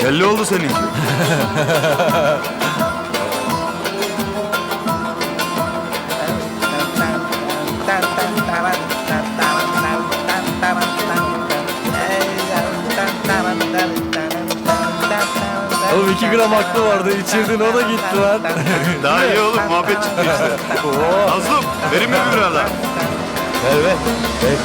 Belli oldu senin. Oğlum 2 gram aklı vardı. İçirdin o da gitti lan. Daha iyi oğlum, muhabbet çıktı işte. Nazlım, verin mi bir adam? Ver ver. Ver.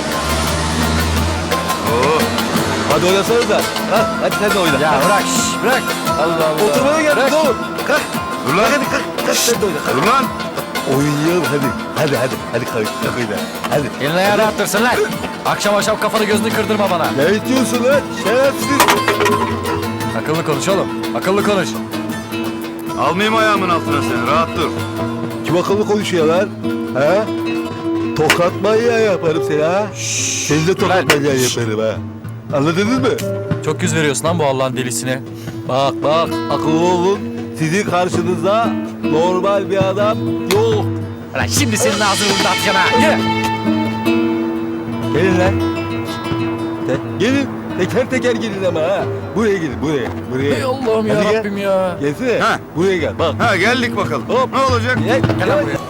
Oo. Hadi oynasanız da. Hadi sen de oyna. Ya bırak bırak. Allah Allah. Oturmaya geldik oğlum. Kalk. Dur lan. Hadi kalk. Kalk sen de oyna. Kalk. Dur lan. Oynayalım hadi. Hadi kalk. Kalk oyna. Hadi. Eline ayağını attırsın lan. Akşam kafanı gözünü kırdırma bana. Ne diyorsun lan? Şerefsiz. Akıllı konuş oğlum. Akıllı konuş. Almayayım ayağımın altına seni, rahat dur. Kim akıllı konuşuyor lan? Ha? Tokat manyağı yaparım seni ha. Seni de tokat manyağı yaparım ha. Anladınız mı? Çok yüz veriyorsun lan bu Allah'ın delisine. Bak akıllı olun. Sizin karşınızda normal bir adam yok. Lan şimdi senin ağzını burada atacağım ha. Yürü. Gelin lan. Gelin. Teker teker gelin ama ha. Buraya gelin buraya. Ey Allah'ım Hadi gel. yarabbim ya. Gelsene. Ha. Buraya gel bak. Ha geldik bakalım. Hop. Ne olacak? Gel lan buraya.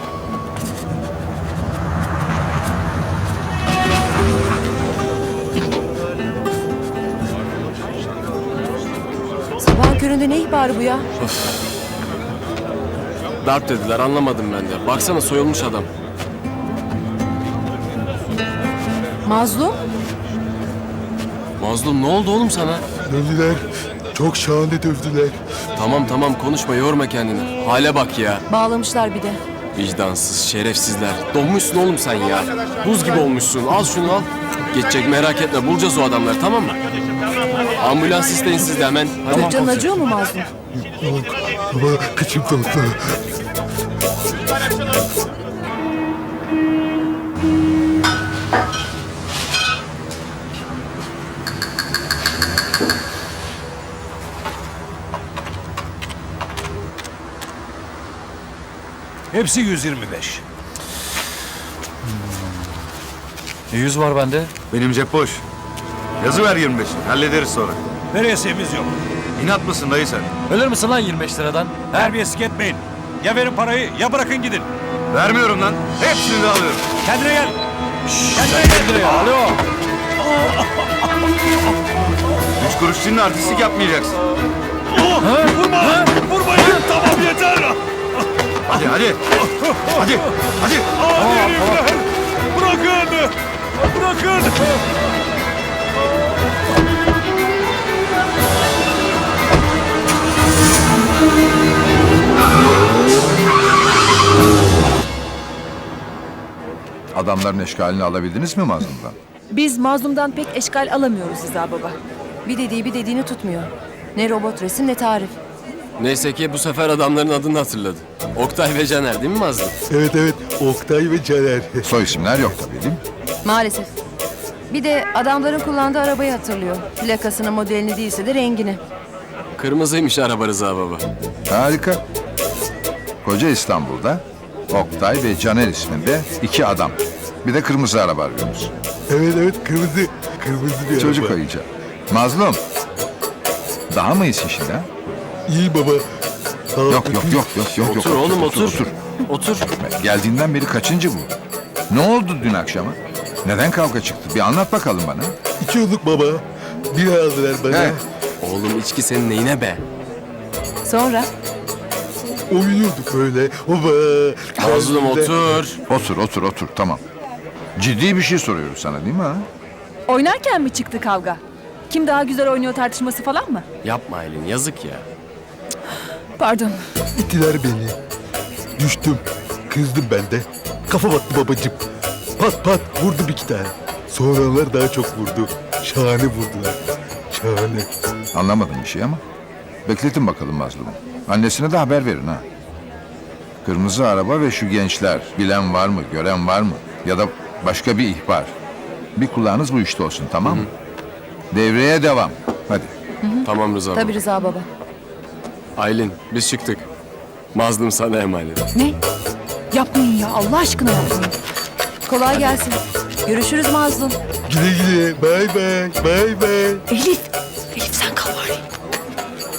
Sabahın köründe ne ihbarı bu ya? Darp dediler, anlamadım ben de. Baksana, soyulmuş adam. Mazlum? Mazlum, ne oldu oğlum sana? Dövdüler. Çok şahane dövdüler. Tamam konuşma, yorma kendini. Hale bak ya. Bağlamışlar bir de. Vicdansız, şerefsizler. Donmuşsun oğlum sen ya. Buz gibi olmuşsun. Al şunu al. Geçecek, merak etme. Bulacağız o adamları, tamam mı? Ambulans isteyin siz de hemen. Hadi. Canın acıyor mu Mazlum? Baba kıçım kalktı. Hepsi 125. 100 var bende. Benim cep boş. Yazı ver 25'i, hallederiz sonra. Veresiemiz yok. İnat mısın dayı sen? Ölür müsün lan 25 liradan? Terbiyesizlik etmeyin. Ya verin parayı ya bırakın gidin. Vermiyorum lan. Hepsini de alıyorum. Kendine gel. Kendine ya. Alo. 3 kuruş senin artistlik yapmayacaksın. Vurmayın. Tamam yeter. Hadi. Hadi. Hadi herifler. Bırakın. Adamların eşkalini alabildiniz mi Mazlum'dan? Biz Mazlum'dan pek eşkal alamıyoruz Rıza baba. Bir dediğini tutmuyor. Ne robot resim ne tarif. Neyse ki bu sefer adamların adını hatırladı. Oktay ve Caner değil mi Mazlum? Evet Oktay ve Caner. Soy isimler yok tabii değil mi? Maalesef. Bir de adamların kullandığı arabayı hatırlıyor. Plakasını, modelini değilse de rengini. Kırmızıymış araba Rıza baba. Harika. Koca İstanbul'da Oktay ve Caner isminde 2 adam. Bir de kırmızı araba arıyoruz. Evet kırmızı bir Çocuk araba. ayıca. Mazlum. Daha mı iyisin şimdi ha? İyi baba. Yok. Otur oğlum otur. Otur. Geldiğinden beri kaçıncı bu? Ne oldu dün akşama? Neden kavga çıktı? Bir anlat bakalım bana. 2 olduk baba. Bir aldılar bana. He. Oğlum içki senin neyine be? Sonra? Oynuyorduk öyle. Baba. Mazlum otur. Otur tamam. Ciddi bir şey soruyoruz sana değil mi ha? Oynarken mi çıktı kavga? Kim daha güzel oynuyor tartışması falan mı? Yapma Aylin, yazık ya. Pardon. İttiler beni. Düştüm. Kızdım ben de. Kafa battı babacığım. Pat vurdu 2 tane. Sonralar daha çok vurdu. Şahane vurdular. Şahane. Anlamadım bir şey ama. Bekletin bakalım Mazlum'u. Annesine de haber verin ha. Kırmızı araba ve şu gençler. Bilen var mı, gören var mı? Ya da başka bir ihbar. Bir kulağınız bu işte olsun, tamam mı? Devreye devam. Hadi. Tamam Rıza baba. Tabii Rıza baba. Aylin, biz çıktık. Mazlum sana emanet. Ne? Yapmayın ya Allah aşkına yapmayın. Kolay gelsin. Görüşürüz Mazlum. Güle güle. Bay bay. Elif sen kal bari.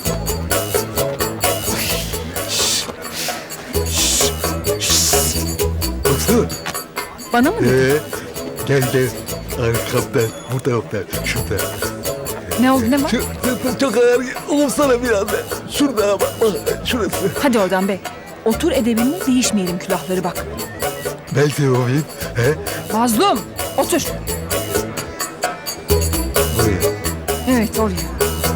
Bana mı dedin? Gel gel. Arkamdan. Burada yoklar. Şurada. Ne oldu, ne var? Çok ağır. Olumsana biraz da. Şurada bak. Şurası. Hadi oradan be. Otur edebinle, değişmeyelim külahları bak. Belki olayım. He? Mazlum, otur. Buraya. Evet, oraya.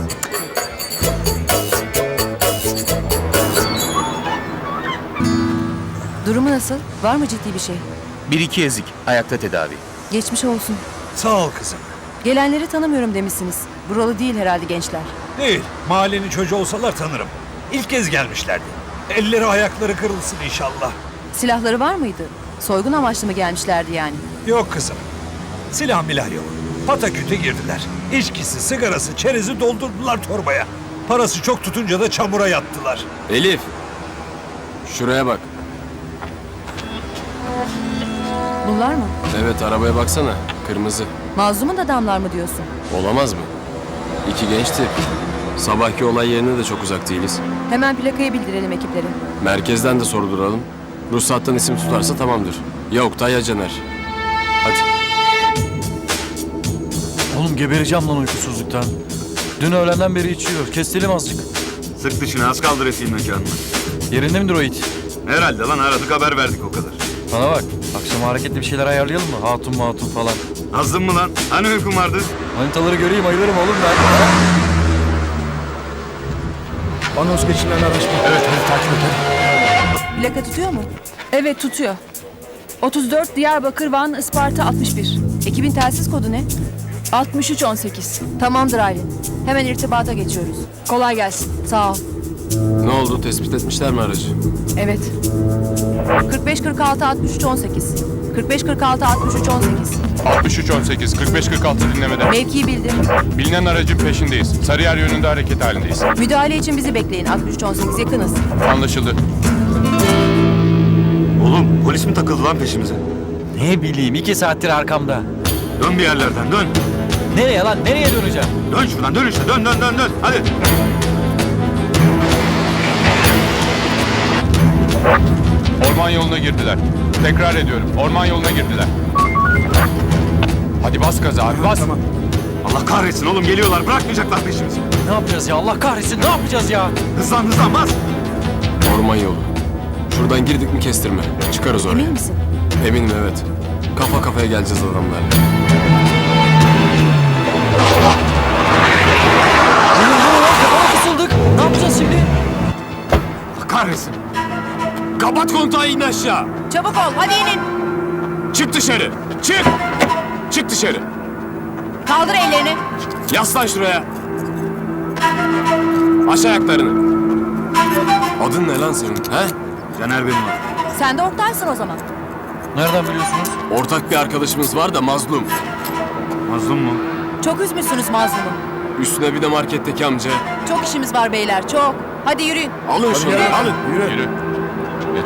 Durumu nasıl? Var mı ciddi bir şey? Bir iki ezik. Ayakta tedavi. Geçmiş olsun. Sağ ol kızım. Gelenleri tanımıyorum demişsiniz. Buralı değil herhalde gençler. Değil. Mahallenin çocuğu olsalar tanırım. İlk kez gelmişlerdi. Elleri ayakları kırılsın inşallah. Silahları var mıydı? Soygun amaçlı mı gelmişlerdi yani? Yok kızım. Silah milah yok. Pataküte girdiler. İçkisi, sigarası, çerezi doldurdular torbaya. Parası çok tutunca da çamura yattılar. Elif. Şuraya bak. Bunlar mı? Evet arabaya baksana. Kırmızı. Mazlumun adamlar mı diyorsun? Olamaz mı? İki gençti. Sabahki olay yerine de çok uzak değiliz. Hemen plakayı bildirelim ekiplere. Merkezden de sorduralım. Ruhsattan isim tutarsa tamamdır. Ya Oktay ya Caner. Hadi. Oğlum gebereceğim lan uykusuzluktan. Dün öğlenden beri içiyor. Kestelim azıcık. Sık dışına az kaldı resim mekanına. Yerinde midir o it? Herhalde lan aradık haber verdik o kadar. Bana bak. Akşam hareketli bir şeyler ayarlayalım mı? Hatun falan. Azdın mı lan? Hani uykun vardı? Manitaları göreyim ayılırım oğlum ben. Anons geçilen araç mı? Evet, hadi takip et. Plaka tutuyor mu? Evet tutuyor. 34 Diyarbakır Van Isparta 61. Ekibin telsiz kodu ne? 6318. Tamamdır Aylin. Hemen irtibata geçiyoruz. Kolay gelsin. Sağ ol. Ne oldu? Tespit etmişler mi aracı? Evet. 45 46 63 18. 45 46 63 18. 6318 4546 dinlemede. Mevkiyi bildim. Bilinen aracın peşindeyiz. Sarıyer yönünde hareket halindeyiz. Müdahale için bizi bekleyin. 63 18 yakınız. Anlaşıldı. Oğlum polis mi takıldı lan peşimize? Ne bileyim 2 saattir arkamda. Dön bir yerlerden dön. Nereye lan? Nereye döneceğim? Dön şuradan dön işte dön. Hadi. Orman yoluna girdiler. Tekrar ediyorum. Orman yoluna girdiler. Hadi bas gaza abi bas. Allah kahretsin oğlum geliyorlar bırakmayacaklar peşimizi. Ne yapacağız ya? Allah kahretsin ne yapacağız ya? Hızlan bas. Orman yolu. Şuradan girdik mi kestirme. Çıkarız oraya. Emin misin? Eminim evet. Kafa kafaya geleceğiz adamlarla. Kafana kısıldık. Ne yapacağız şimdi? Allah kahretsin. Kapat kontağı in aşağı. Çabuk ol. Hadi inin. Çık dışarı. Çık. Çık dışarı. Kaldır ellerini. Yaslan şuraya. Aç ayaklarını. Adın ne lan senin? He? Caner benim adım. Sen de ortaysın o zaman. Nereden biliyorsunuz? Ortak bir arkadaşımız var da mazlum. Mazlum mu? Çok üzmüşsünüz mazlumu. Üstüne bir de marketteki amca. Çok işimiz var beyler. Çok. Hadi yürüyün. Alın şunu alın. Yürü. Geç.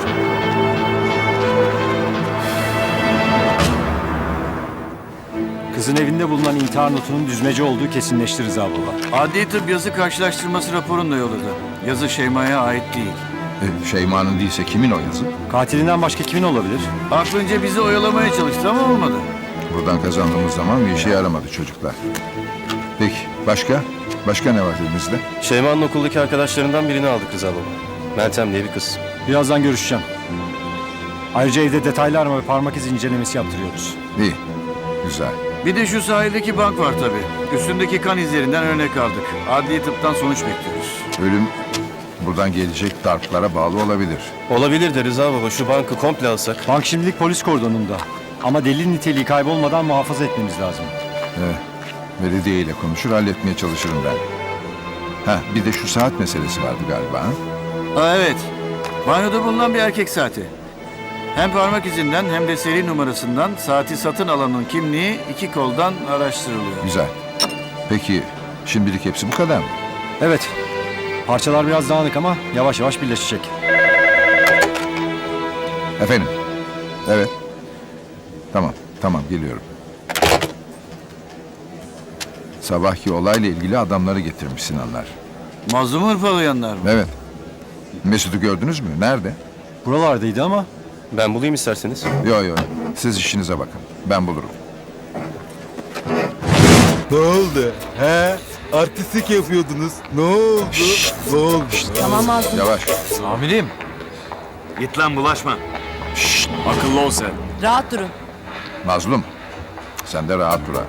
Kızın evinde bulunan intihar notunun düzmece olduğu kesinleşti Rıza Baba. Adli tıp yazı karşılaştırması raporunu da yolladı. Yazı Şeyma'ya ait değil. Şeyma'nın değilse kimin o yazı? Katilinden başka kimin olabilir? Aklınca bizi oyalamaya çalıştı ama olmadı. Buradan kazandığımız zaman bir işe yaramadı çocuklar. Peki başka? Başka ne var elimizde? Şeyma'nın okuldaki arkadaşlarından birini aldık Rıza Baba. Meltem diye bir kız. Birazdan görüşeceğim. Ayrıca evde detaylı arama ve parmak izi incelemesi yaptırıyoruz. İyi. Güzel. Bir de şu sahildeki bank var tabii. Üstündeki kan izlerinden örnek aldık. Adli tıptan sonuç bekliyoruz. Ölüm buradan gelecek darplara bağlı olabilir. Olabilir de Rıza Baba şu bankı komple alsak. Bank şimdilik polis kordonunda. Ama delil niteliği kaybolmadan muhafaza etmemiz lazım. Belediye ile konuşur halletmeye çalışırım ben. Bir de şu saat meselesi vardı galiba. Ha? Evet. Banyoda bulunan bir erkek saati. Hem parmak izinden hem de seri numarasından saati satın alanın kimliği iki koldan araştırılıyor. Güzel. Peki şimdilik hepsi bu kadar mı? Evet. Parçalar biraz dağınık ama yavaş yavaş birleşecek. Efendim? Evet. Tamam geliyorum. Sabahki olayla ilgili adamları getirmiş Sinanlar. Mazlumu hırpalayanlar mı? Evet. Mesut'u gördünüz mü? Nerede? Buralardaydı ama Ben bulayım isterseniz. Yo. Siz işinize bakın. Ben bulurum. Ne oldu? He? Artistlik yapıyordunuz. Ne oldu? Ne oldu? Tamam Mazlum. Yavaş. Amirim. Git lan bulaşma. Akıllı ol sen. Rahat durun. Mazlum. Sen de rahat dur ha.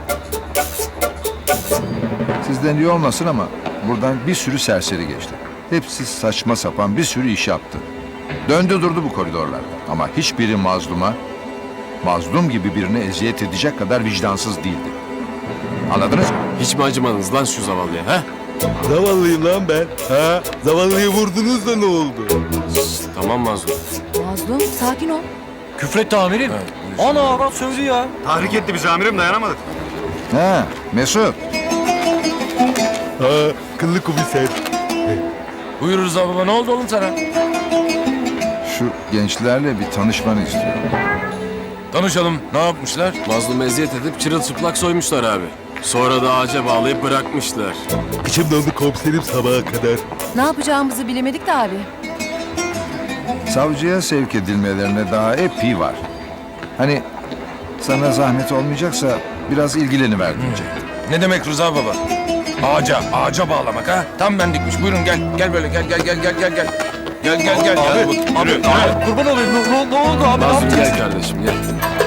Sizden iyi olmasın ama buradan bir sürü serseri geçti. Hepsi saçma sapan bir sürü iş yaptı. Döndü durdu bu koridorlarda. Ama hiçbiri mazlum gibi birine eziyet edecek kadar vicdansız değildi. Anladınız mı? Hiç mi acımadınız lan şu zavallıya ha? Zavallıyım lan ben. Ha? Zavallıyı vurdunuz da ne oldu? Tamam Mazlum. Mazlum sakin ol. Küfretti amirim. Ana bak sövdü ya. Tahrik etti bizi amirim, dayanamadık. Ha, Mesut. Ha, kıllı komiser. Buyur Rıza baba, ne oldu oğlum sana? Şu gençlerle bir tanışmanı istiyorum. Tanışalım. Ne yapmışlar? Mazlum eziyet edip çırılçıplak soymuşlar abi. Sonra da ağaca bağlayıp bırakmışlar. İçim dondu komiserim sabaha kadar. Ne yapacağımızı bilemedik de abi. Savcıya sevk edilmelerine daha epey var. Hani sana zahmet olmayacaksa biraz ilgileniver diyecek. Ne demek Rıza baba? Ağaca bağlamak ha? Tam bendikmiş. Buyurun gel. Gel böyle gel. Gel. Abi, kurban olayım. Ne oldu abi? Mazlum gel kardeşim gel.